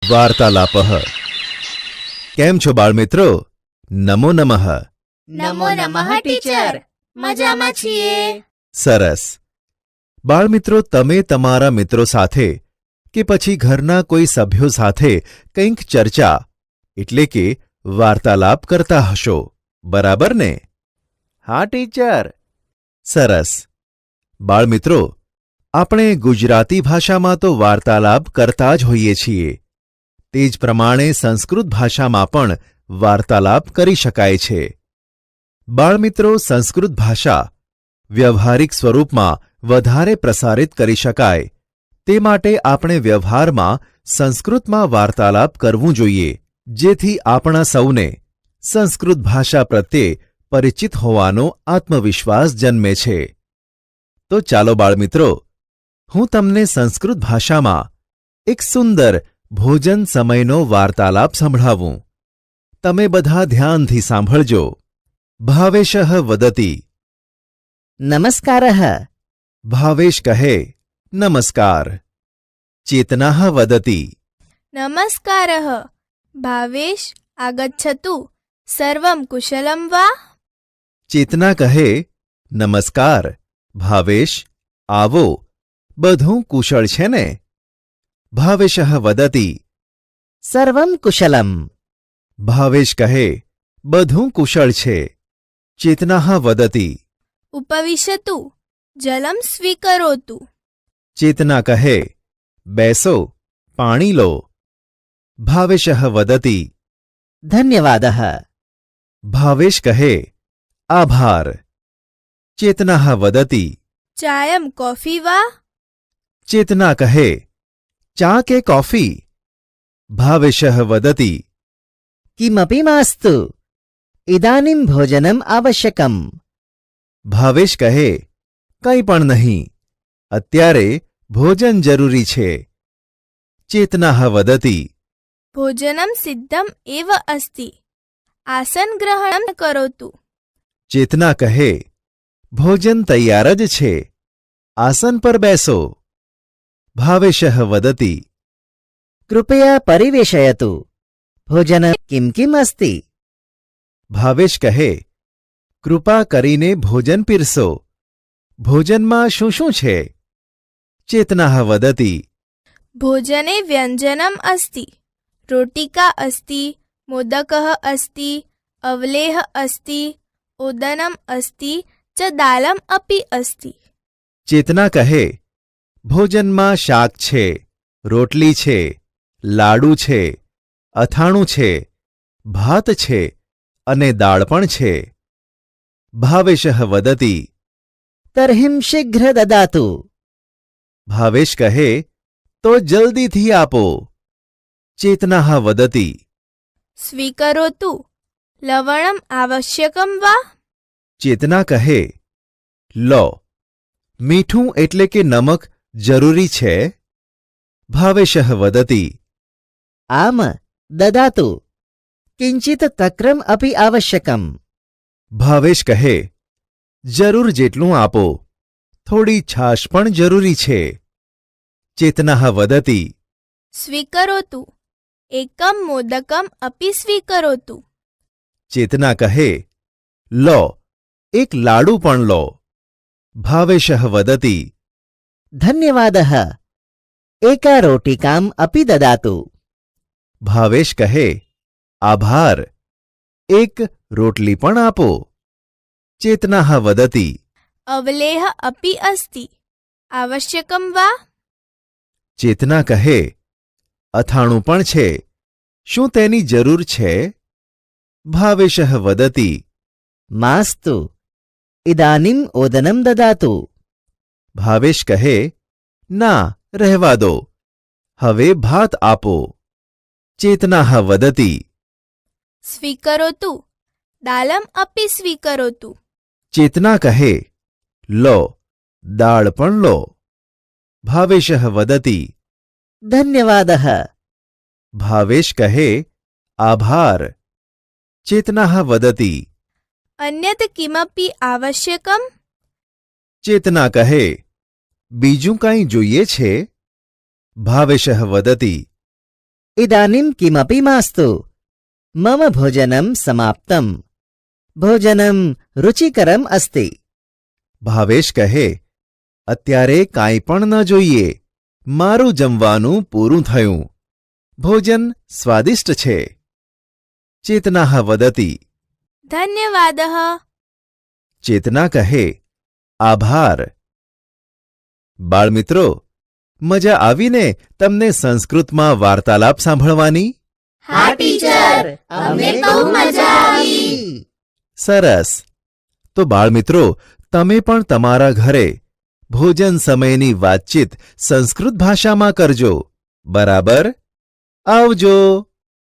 વાર્તાલાપઃ કેમ છો બાળમિત્રો? નમો નમઃ. નમો નમઃ ટીચર, મજામાં છીએ. સરસ. બાળમિત્રો, તમે તમારા મિત્રો સાથે કે પછી ઘરના કોઈ સભ્યો સાથે કંઈક ચર્ચા એટલે કે વાર્તાલાપ કરતા હશો, બરાબર ને? હા ટીચર. સરસ. બાળમિત્રો, આપણે ગુજરાતી ભાષામાં તો વાર્તાલાપ કરતા જ હોઈએ છીએ. તે જ પ્રમાણે સંસ્કૃત ભાષામાં પણ વાર્તાલાપ કરી શકાય છે. બાળમિત્રો, સંસ્કૃત ભાષા વ્યવહારિક સ્વરૂપમાં વધારે પ્રસારિત કરી શકાય તે માટે આપણે વ્યવહારમાં સંસ્કૃતમાં વાર્તાલાપ કરવું જોઈએ, જેથી આપણા સૌને સંસ્કૃત ભાષા પ્રત્યે પરિચિત હોવાનો આત્મવિશ્વાસ જન્મે છે. તો ચાલો બાળમિત્રો, હું તમને સંસ્કૃત ભાષામાં એક સુંદર ભોજન સમયનો વાર્તાલાપ સંભળાવું. તમે બધા ધ્યાનથી સાંભળજો. ભાવેશઃ વદતિ. નમસ્કારઃ. ભાવેશ કહે, નમસ્કાર. ચેતનાઃ વદતિ. નમસ્કારઃ. ભાવેશ આગચ્છતુ. સર્વં કુશલં વા? ચેતના કહે, નમસ્કાર ભાવેશ, આવો, બધું કુશળ છે ને? ભાવેશઃ વદતિ. સર્વં કુશલમ. ભાવેશ કહે, બધું કુશળ છે. ચેતનાઃ વદતિ. ઉપવિશતુ. જલમ સ્વીકરોતુ. ચેતના કહે, બેસો, પાણી લો. ભાવેશઃ વદતિ. ધન્યવાદઃ. ભાવેશ કહે, આભાર. ચેતનાઃ વદતિ. ચાયમ કોફી વા? ચેતના કહે, ચા કે કોફી? ભાવેશઃ વદતિ. કિમપી માસ્તુ. ઇદાનીં ભોજનમ આવશ્યકમ. ભાવેશ કહે, કંઈ પણ નહીં, અત્યારે ભોજન જરૂરી છે. ચેતનાઃ વદતિ. ભોજનમ સિદ્ધમ એવ અસ્તિ. આસન ગ્રહણમ કરોતુ. ચેતના કહે, ભોજન તૈયાર જ છે, આસન પર બેસો. ભાવેશઃ વદતિ. કૃપયા પરિવેશયતુ. ભોજન કિમ કિમ અસ્તિ? ભાવેશ કહે, કૃપા કરીને ભોજન પીરસો. ભોજનમાં શું શું છે? ચેતનાઃ વદતિ. ભોજને વ્યંજનમ અસ્તિ. રોટિકા અસ્તિ. મોદકઃ અસ્તિ. અવલેહ અસ્તિ. ઓદનમ અસ્તિ ચ દાલમ અપી અસ્તિ. ચેતના કહે, ભોજનમાં શાક છે, રોટલી છે, લાડુ છે, અથાણું છે, ભાત છે અને દાળ પણ છે. ભાવેશઃ વદતિ. તર્હિં શીઘ્ર દદાતુ. ભાવેશ કહે, તો જલ્દીથી આપો. ચેતનાઃ વદતિ. સ્વીકરોતુ. લવણમ આવશ્યકમ વા? ચેતના કહે, લો, મીઠું એટલે કે નમક જરૂરી છે? ભાવેશઃ વદતિ. આમ દદાતુ. કિંચિત તક્રમ અપી આવશ્યકમ. ભાવેશ કહે, જરૂર જેટલું આપો, થોડી છાશ પણ જરૂરી છે. ચેતનાઃ વદતિ. સ્વીકરોતુ. એકમ મોદકમ અપી સ્વીકરોતુ. ચેતના કહે, લો, એક લાડુ પણ લો. ભાવેશઃ વદતિ. ધન્યવાદઃ. એકા રોટિકામ અપી દદાતુ. ભાવેશ કહે, આભાર, એક રોટલી પણ આપો. ચેતનાઃ વદતિ. અવલેહ અપી અસ્તિ. આવશ્યકમ વા? ચેતના કહે, અથાણું પણ છે, શું તેની જરૂર છે? ભાવેશઃ વદતિ. માસ્તુ. ઇદાનીં ઓદનમ દદાતુ. ભાવેશ કહે, ના, રહેવા દો, હવે ભાત આપો. ચેતનાઃ વદતિ. સ્વીકરોતુ. દાલમ અપી સ્વીકરોતુ. ચેતના કહે, લો, દાળ પણ લો. ભાવેશઃ વદતિ. ધન્યવાદઃ. ભાવેશ કહે, આભાર. ચેતનાઃ વદતિ. અન્યત કિમપી આવશ્યકમ? ચેતના કહે, બીજું કાંઈ જોઈએ છે? ભાવેશઃ વદતિ. इदानीं किमपि मास्तु मम भोजनं समाप्तम् भोजनं रुचिकरम् अस्ति ભાવેશ કહે, અત્યારે કાંઈ પણ ન જોઈએ. મારું જમવાનું પૂરું થયું. ભોજન સ્વાદિષ્ટ છે. ચેતનાઃ વદતિ. ધન્યવાદઃ. ચેતના કહે, આભાર. બાળમિત્રો, મજા આવીને તમને સંસ્કૃતમાં વાર્તાલાપ સાંભળવાની? હા ટીચર, અમને બહુ મજા આવી. સરસ. તો બાળમિત્રો, તમે પણ તમારા ઘરે ભોજન સમયની વાતચીત સંસ્કૃત ભાષામાં કરજો. બરાબર? આવજો.